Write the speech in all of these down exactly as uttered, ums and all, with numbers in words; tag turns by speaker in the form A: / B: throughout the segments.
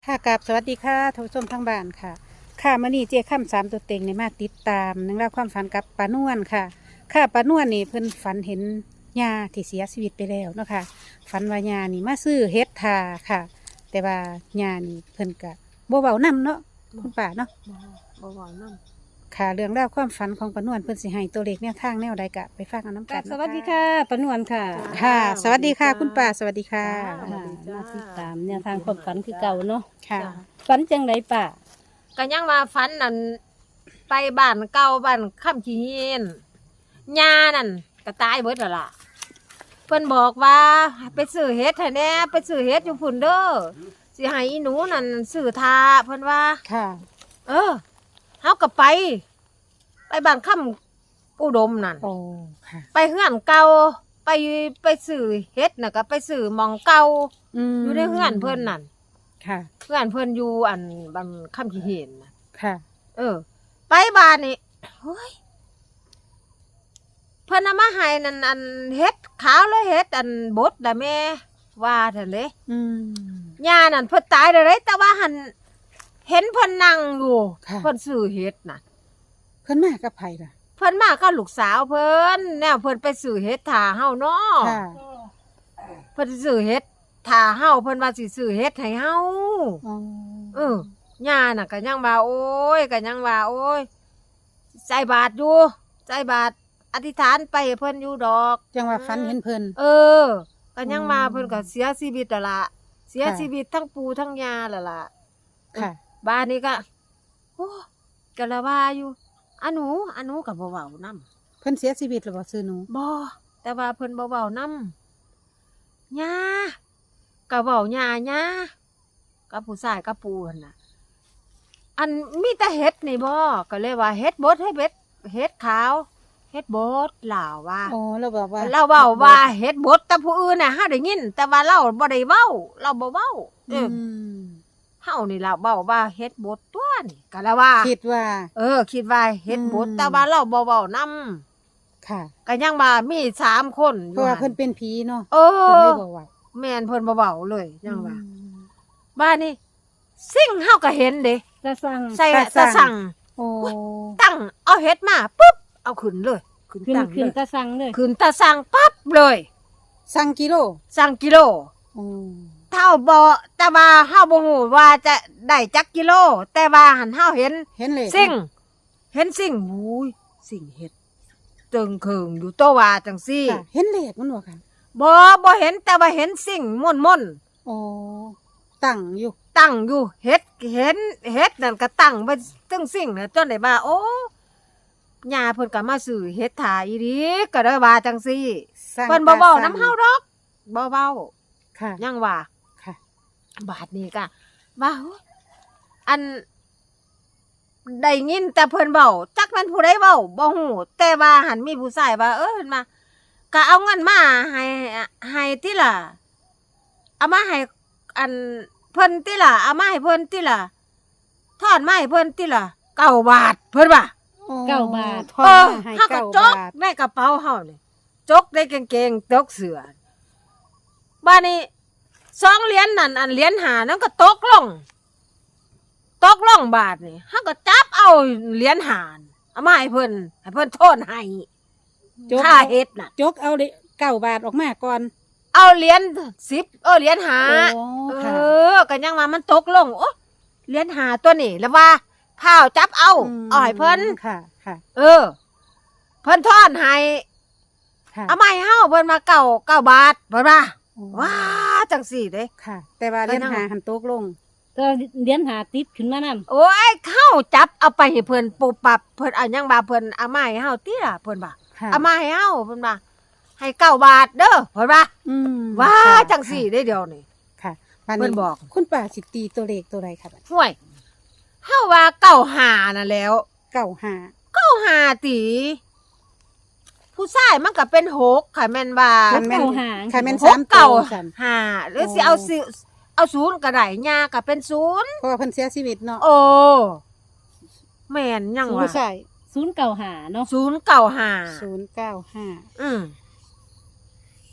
A: ค่ะกับสวัสดีค่ะท่านผู้ชมทั้งบ้านค่ะค่ะมื่อนี้เจ้าข้ามสามตัวเต็งในมาติดตามนังเล่องราวความฝันกับปานวลค่ะ ค่ะปานวลนี่เพิ่นฝันเห็นยาที่เสียชีวิตไปแล้วเนาะค่ะฝันว่ายานี่มาซื้อเฮ็ดทาค่ะ แต่ว่ายานี่เพิ่นกะบ่เว้านำเนาะคุณป้าเนาะ
B: บ่บ่นำ
A: ค่ะเรื่องราวความฝันของปานวลเพิ่นสิให้ตัวเลขแนวทางแนวใดกะไปฟังกันน้ำกัน
C: สวัสดีค่ะปานวลค่ะ
A: ค่ะ สวัสดีค่ะ คุณป้าสวัสดีค่ะ
C: ค่ะมาติดตามเนี่ยทางความฝันคือเก่าเนาะ
A: ค่ะ
C: ฝันจังไรป่ะ
B: ก็ยังว่าฝันนั่นไปบ้านเก่าบ้านค่ำขี้เฮียนยานั่นก็ตายเบิดแล้วล่ะเพิ่นบอกว่าไปซื้อเฮ็ดให้แหน่ไปซื้อเฮ็ดอยู่พุ่นเด้อสิให้อีหนูนั่นซื้อทาเพิ่นว่า
A: ค่ะ
B: เออเฮาก็ไป ไปบ้านค่ำอุดมนั่น
A: โอ้ค่ะ
B: ไปเฮือนเก่าไปไปซื้อเฮ็ดน่ะก็ไปซื้อหม่องเก่า
A: ม
B: อยู่ในเฮือนเพิ่นนั่น
A: ค่ะ
B: เฮือนเพิ่นอยู่อันบ้านค่ำขี้เฮียนน่ะ
A: ค่ะ
B: เออ ไปบ้านนี่เฮ้ยเพิ่นเอามาให้นั่นอันเฮ็ดขาวเลยเฮ็ดอันบดน่ะแม่ว่าซั่นเด้
A: อืม
B: ย่านั่นเพิ่นตายแล้วเด้แต่ว่าหันเห็นเพิ่นนั่งอยู่
A: ค่ะ
B: เพิ่นซื้อเฮ็ดน่ะ
A: เพิ่นมากับไผล่ะ
B: เพิ่นมากับลูกสาวเพิ่นแนวเพิ่นไปซื้อเฮ็ดทาเฮาเนาะ
A: ค่ะ
B: เพิ่นสิซื้อเฮ็ดทาเฮาเพิ่นว่าสิซื้อเฮ็ดให้เฮา
A: อ๋อ
B: เออย่าน่ะก็ยังว่าโอ้ยก็ยังว่าโอ้ยใจบาทอยู่ใจบาทอธิษฐานไปให้เพิ่นอยู่ดอก
A: จังว่าฝันเห็นเพิ่น
B: เออก็ยังมาเพิ่นก็เสียชีวิตแล้วล่ะเสีย
A: ค่ะ
B: ชีวิตทั้งปู่ทั้งย่าแล้วล่ะ
A: ค่ะ
B: บ้านนี้ก็โอ้ก็ละว่าอยู่อะหนูอะหนูก็บ่เว้านำ
A: เพิ่นเสียชีวิตแล้วบ่ซื้อหนู
B: บ่แต่ว่าเพิ่นบ่เว้านำย่าก็เว้าย่าย่ากับผู้ชายกับปู่หั่นน่ะ อันมีแต่เฮ็ดนี่บ่ก็เลยว่าเฮ็ดบดให้เบ็ดเฮ็ดขาวเฮ็ดบดลาวว่า
A: อ๋อเราบอกว่า
B: เราเว้าว่าเฮ็ดบดแต่ผู้อื่นน่ะเฮาได้ยิน แต่ว่าเราบ่ได้เว้า เราบ่เว้าเอ
A: อื
B: อ
A: ม
B: เฮานี่ล่ะเว้าว่าเฮ็ดบดตัวนี่ก็ละว่า
A: คิดว่า
B: เออ คิดว่าเฮ็ดบด
A: อืม
B: แต่ว่าเราบ่เว้านํ
A: ค่ะ
B: ก็ยังว่ามีสามคนอ
A: เพ
B: ยู่
A: ราะว่า
B: หั่
A: เพิ่นเป็นผีเนาะ
B: เอ
A: เพิ่น
B: อ
A: เลยบอกว่า
B: แม่นเพิ่นบ่เว้าเลยยังว่า
A: อืม
B: บ้านนี้สิ่งเฮาก็เห็นเด้
C: จะสั่ง
B: ใส่
A: ตา
B: ตา
A: สั่
B: สั่
A: ง
B: ง
A: โอ้
B: ตั้งเอาเฮ็ดมาปุ๊บเอาขึ้นเลยขึ้น
C: ขึ้น
B: ตั้ง
C: ขึ้น
B: เลย
C: จะสั่งเลย
B: ขึ้นตาสั่งปั๊บเลย
A: สั่งกิโล
B: สั่งกิโล
A: โอ้
B: เท่าบ่แต่ว่าเฮาบ่ฮู้ว่าจะได้จักกิโล แต่ว่าหันเฮาเห็น
A: เห็นเลย
B: สิ่ง เห็นสิ่งหูยสิ่งเฮ็ดเติงเคิงอยู่ตัวว่าจังซี่
A: ค่ะเห็นเลขมันบ่ค่ะ
B: บ่บ่เห็นแต่ว่าเห็นสิ่งม่วน
A: โอ้ตั้งอยู่
B: ๆตั้งอยู่เฮ็ดเห็นเฮ็ดนั่นก็ตั้งไว้ตึงสิ่งน่ะจนได้ว่าโอ้ย่าเพิ่นก็มาซื้อเฮ็ดถาอีหลีก็ได้ว่าจังซี่
A: สร้าง
B: เพิ่นบ่เว้า
A: ต
B: นำเฮาดอกบ่เว้า
A: ค่ะ
B: ยังว่า
A: ค่ะ
B: บาทนี้ก็ว่าโอ้ยอันได้ยินแต่เพิ่นเว้าจักแม่นผู้ใดเว้าบ่ฮู้แต่ว่าหันมีผู้ชายว่าเออเพิ่นมาก็เอาเงินมาให้ให้ติล่ะเอามาให้อันเพิ่นติล่ะเอามาให้เพิ่นติล่ะทอดมาให้เพิ่นติล่ะเก้าบาทเพิ่นว่า
A: โอ้
C: เก้าบาท
A: ทอ
B: เอ
A: ด
B: อ
A: มาให้
B: เฮาก็
A: เก้า
B: จก
A: บาท
B: ในกระเป๋าเฮานี่จกในกางเกงจกเสื้อบ้านนี้สองเหรียญนั่นอันเหรียญหานั้นก็ตกลง ตกลงบาทนี่เฮาก็จับเอาเหรียญหารเอามาให้เพิ่นให้เพิ่นโทษให้
A: จก
B: ค่าเฮ็ดน่ะ
A: จกเอาเลยเก้าบาทออกมาก่อน
B: เอาเหรียญสิบเออเหรียญหา
A: โอ้
B: เอ
A: ค่ะ
B: อก็ยังว่ามันตกลงโอ้เหรียญหาตัวนี้แล้วว่าข้าวจับเอา
A: ม
B: เอาให้เพิ่น
A: ค่ะค่ะ
B: เออ เพิ่นทอนให้
A: ค่ะ
B: เอามาให้เฮาเพิ่นมาเก้าเก้าบาทเพิ่นว่า
A: โอ้
B: ว้าจังสี่เด้
A: ค่ะ แต่ว่าเล่น
B: ก็ยัง
A: หาหันตกลง
C: ก็เลี้ยนหาติดขึ้นมานำ
B: โอ้ยเข้าจับเอาไปให้เพิ่นปุบปับเพิ่นเอาหยังว่าเพิ่นเอามาให้เฮาติล่ะเพิ่นว่า
A: ค่ะ
B: เอามาให้เฮาเพิ่นว่าให้เก้าบาทเด้อเพิ่นว่า
A: อืม
B: ว้า
A: ค่ะ
B: จังสี่ได้เดียวนี่
A: ค่ะบัด
B: เพิ่นบอก
A: คุณป้าสิตีตัวเลขตัวใดค่ะบัด
B: ห่วยเฮาว่าเก้าหาน่ะแหล้ว
A: เก้าห้า
B: เก้าหาติ ผู้ชายมันก็เป็นหกค่ะแม่นว่า
A: คันแม่น
C: เก้าหา
A: คันแม่น
B: ห
A: สาก มตั
B: เก้าว
A: สั่น
B: หาหรือสิเอาสิเอาศูนย์ก็ได้ย่าก็เป็นศูนย์
A: เพราะว่าเพิ่นเสียชีวิตเนาะ
B: โอ้แม่นยัง
A: ผู้
B: ว่า
A: ชาย
C: ศูนย์เก่าหาเนาะ
B: ศูนย์เก้าหา
A: ศูนย์เก้าห้า
B: อืม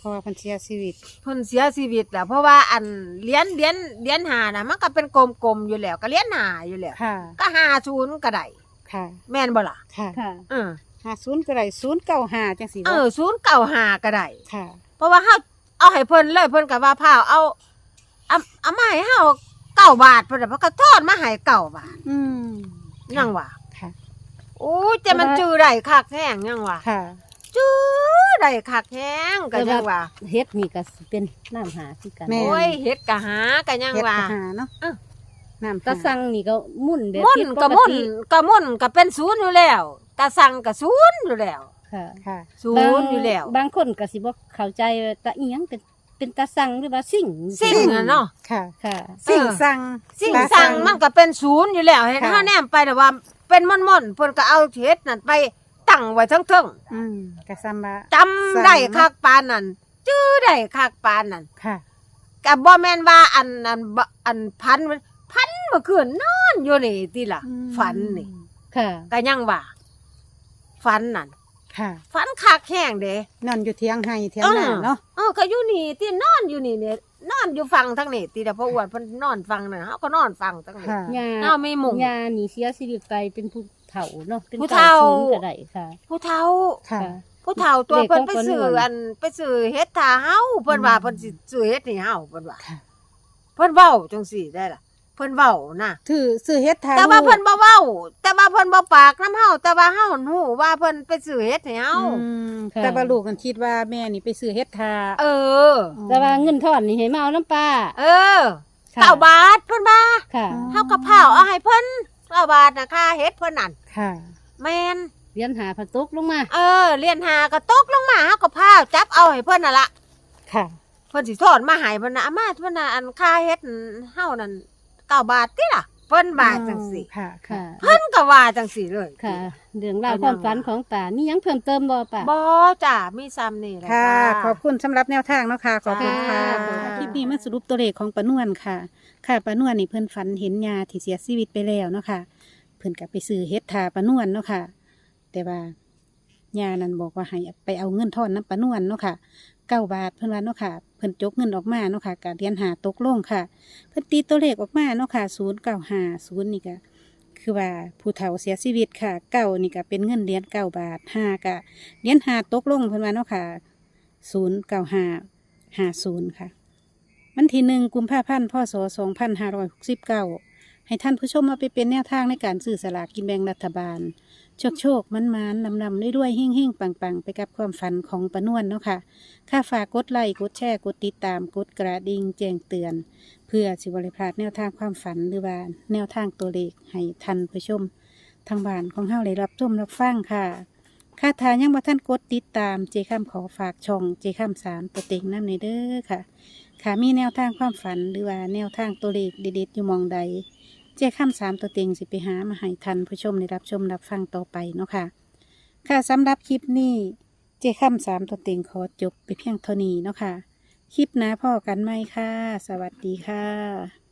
A: เพราะว่าเพิ่นเสียชีวิต
B: เพิ่นเสียชีวิตแล้วเพราะว่าอันเหรียญเหรียญเหรียญหาน่ะมันก็เป็นกลมๆอยู่แล้วก็เหรียญหาอยู่แล้ว
A: ค่ะ
B: ก็ห้าศูนย์ก็ได้
A: ค่ะ
B: แม่นบ่ล่ะ
A: ค่ะ
C: ค่ะ
B: เออ
A: ห้าศูนย์ก็ได้ศูนย์เก้าห้าจังสี่
B: เอ
A: บ่
B: อศูนย์เก้าห้าก็ได้
A: ค่ะ
B: เพราะว่าเฮาเอาให้เพิ่นเลยเพิ่นก็ว่าพาวเอาเอาเอามาให้เฮาเก้าบาทเพิ่นน่ะเพิ่นก็ทอดมาให้เก้าบาท
A: อืม
B: ยังว่า
A: ค่ะ
B: โอ้ยแต่มันจื้อได้คักแท้งยังว่า
A: ค่ะ
B: จื้อได้คักแท้งก็ยังว่า
C: เฮ็ดนี่ก็สิเป็นน้ำหาคือกัน
A: แม่
B: โอ้ยเฮ็ดก็หาก็ยัง
A: เฮ็ด
B: ว่า
A: ก็หาเนาะ
B: เออ
A: น้ำ
C: ตะ
A: หา
C: สั่งนี่ก็มุ่นแบบ
B: มุ่น
C: เฮ็ด
B: ก็
C: ป
B: มุ่น
C: ติ
B: ก็มุ่นก็เป็นศูนย์อยู่แล้วตาสั่งก็ศูนย์อยู่แล้ว
C: ค่ะ
A: ค่ะ
B: ศูนย์อยู่แล้ว
C: บางคนก็สิบ่เข้าใจว่าตะอีหยังเป็นเป็นตะสั่งหรือว่าสิ่ง
B: สิ่งอะเนาะ
A: ค่ะ
C: ค่ะ
A: สิ่งสั่ง
B: สิ่ง
A: ตา
B: สั่งมันก็เป็นศูนย์อยู่แล้วเห็น
A: ค่ะ
B: เฮาแนมไปแต่ว่าเป็นม่อนๆเพิ่นก็เอาเฮ็ดนั่นไปตั้งไว้เทั้ง
A: อืมกะซัมบะ
B: ๆจำได้คักปานนั่นจื้อได้คักปานนั่น
A: ค่ะ
B: ก็บ่แม่นว่าอันอันบ่อันพันพันเมื่อคืนนอนอยู่นี่ติล่ะ
A: อืม
B: ฝันนี่
C: ค่ะ
B: ก็ยังว่าฝันนั่น
A: ค่ะ
B: ฝันคักแห้งเด้
A: นอนอยู่เทียงให้เทียงหน้าเนาะ
B: เออก็อยู่นี่ที่นอนอยู่นี่เนี่ยนอนอยู่ฟังทั้งนี่ตีแต่พออ้วนเพิ่นนอนฟังนั่นเฮาก็นอนฟังทั้งนี่
A: ค่ะ
C: ยา
B: เฮาไม่มุง
C: ยานี่เสียชีวิตไปเป็นผู้เฒ่าเนาะเป็น
B: ผู้เฒ่า
C: ก้ศูนย์ก็ได้ค่ะ
B: ผู้เฒ่า
A: ค่ะ
C: ค่ะ
B: ผู้เฒ่าตัว
C: เลข
B: เพิ่น
C: ของ
B: ไป
C: เพิ่น
B: ซื้อ
C: ม่วน
B: อันไปซื้อเฮ็ดทาเฮาเพิ่นว่า
A: อืม
B: เพิ่นสิซื้อเฮ็ดให้เฮาเพิ่นว่า
A: ค่ะ
B: เพิ่นเว้าจังซี่ได้ล่ะเพิ่นเว้านะ
A: ถือซื้อเฮ็ดทา
B: แต่ว่า
A: ลูก
B: เพิ่นบ่เว้าแต่ว่าเพิ่นบ่ปากนำเฮาแต่ว่าเฮาฮู้ว่าเพิ่นไปซื้อเฮ็ดให้เฮา
A: อืม
C: ค่ะ
A: แต่ว่าลูกกันคิดว่าแม่นี่ไปซื้อเฮ็ดทา
B: เออ
C: แต่ว่าเงินทอนนี่ให้มาเอาน้ำปลา
B: เออ
C: ค่ะ
B: เก้าบาทเพิ่นว่า
C: ค่ะ
B: เฮาก็พาวเอาให้เพิ่นเก้าบาทน่ะค่าเฮ็ดเพิ่นนั่น
A: ค่ะ
B: แม่น
C: เรียนหาผักตกลงมา
B: เออเรียนหาก็ตกลงมาเฮาก็พาจับเอาให้เพิ่นน่ะล่ะ
A: ค่ะ
B: เพิ่นสิทอดมาให้เพิ่นน่ะอามาเพิ่นน่ะอันค่าเฮ็ดเฮานั่นเก้าบาทติล่ะเพิ่นว่าจังซี่
A: ค่ะ
C: ค่ะ
B: เพิ่นก็ว่าจังซี่เลย
C: ค่ะเรื่องราวความฝันของป่านี่ยังเพิ่มเติมบ่ป่า
B: บ่จ้ามีซ้ำนี่แหละ
A: ค่ะ
B: จ้า
A: ขอบคุณสำหรับแนวทางเนาะค่ะ ขอบคุณค่ะ
B: ค่ะ
A: คลิปนี้มาสรุปตัวเลขของปานวนค่ะ ค่ะปานวนนี่เพิ่นฝันเห็นยาที่เสียชีวิตไปแล้วเนาะค่ะ เพิ่นก็ไปซื้อเฮ็ดทาปานวนเนาะค่ะ แต่ว่ายานั้นบอกว่าให้ไปเอาเงินทอนน้ำปานวนเนาะค่ะเก้าบาทเพิ่นว่าเนาะค่ะ เพิ่นจกเงินออกมาเนาะค่ะการเรียนหาตกลงค่ะ เพิ่นตีตัวเลขออกมาเนาะค่ะศูนย์เก้าห้าศูนย์นี่ก็คือว่าผู้เฒ่าเสียชีวิตค่ะเก้านี่ก็เป็นเงินเหรียญเก้าบาทห้าก็เหรียญหาตกลงเพิ่นว่าเนาะค่ะศูนย์เก้าห้าห้าศูนย์ค่ะวันที่หนึ่งกุมภาพันธ์พศสองพันห้าร้อยหกสิบเก้าให้ท่านผู้ชมมาไปเป็นแนวทางในการซื้อสลากกินแบ่งรัฐบาล โชคโชคมันมันนำนำด้วยๆเฮ่งเฮ่งปังปังไปกับความฝันของปานวนเนาะค่ะค่าฝากกดไลค์กดแชร์กดติดตามกดกระดิ่งแจ้งเตือน เพื่อสิบริพลาดแนวทางความฝันหรือว่าแนวทางตัวเลขให้ท่านผู้ชมทางบ้านของเฮาได้รับชมรับฟังค่ะค่าทานยังบ่ท่านกดติดตามเจค้ำขอฝากช่องเจค้ำสามตัวเต็งน้ำในเด้อค่ะ ค่ะมีแนวทางความฝันหรือว่าแนวทางตัวเลขเด็ดๆอยู่หมองใด เจ้าข้ามสามตัวเต็งสิไปหามาให้ทันผู้ชมได้รับชมรับฟังต่อไปเนาะค่ะ ค่ะสำหรับคลิปนี้เจ้าข้ามสามตัวเต็งขอจบไปเพียงเท่านี้เนาะค่ะ คลิปหน้าพ่อกันไหมค่ะ สวัสดีค่ะ